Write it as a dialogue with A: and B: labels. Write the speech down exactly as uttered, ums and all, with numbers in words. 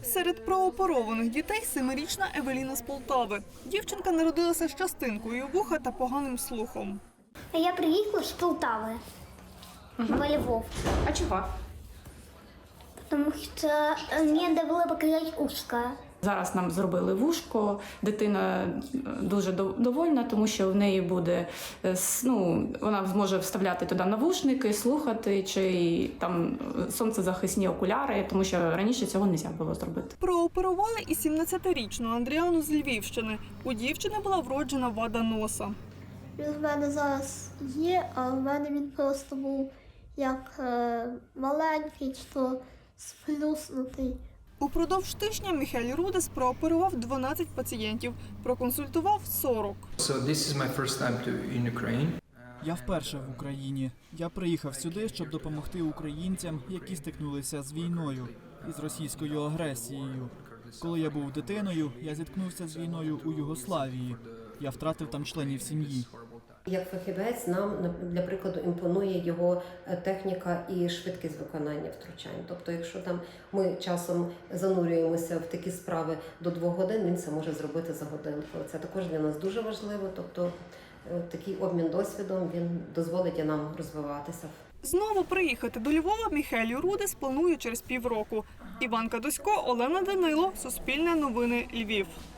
A: Серед прооперованих дітей семирічна Евеліна з Полтави. Дівчинка народилася з частинкою вуха та поганим слухом.
B: Я приїхала з Полтави
C: Угу.
B: в Львов,
C: А чого?
B: тому що мені треба було покрасити ушко.
C: Зараз нам зробили вушко, дитина дуже довольна, тому що в неї буде, ну, вона зможе вставляти туди навушники, слухати, чи там сонцезахисні окуляри, тому що раніше цього не можна було зробити.
A: Прооперували і сімнадцятирічну Андріану з Львівщини. У дівчини була вроджена вада носа.
B: Він в мене зараз є, а в мене він просто був як е, маленький, що сплюснутий.
A: Упродовж тижня Міхель Рудес прооперував дванадцять пацієнтів, проконсультував сорок.
D: So this is my first time to in Ukraine.
E: Я вперше в Україні. Я приїхав сюди, щоб допомогти українцям, які стикнулися з війною і з російською агресією. Коли я був дитиною, я зіткнувся з війною у Югославії. Я втратив там членів сім'ї.
F: Як фахівець нам, для прикладу, імпонує його техніка і швидкість виконання втручань. Тобто, якщо там ми часом занурюємося в такі справи до двох годин, він це може зробити за годинку. Це також для нас дуже важливо. Тобто, такий обмін досвідом, він дозволить нам розвиватися.
A: Знову приїхати до Львова Міхель Рудес планує через півроку. Іванка Досько, Олена Данило, Суспільне новини, Львів.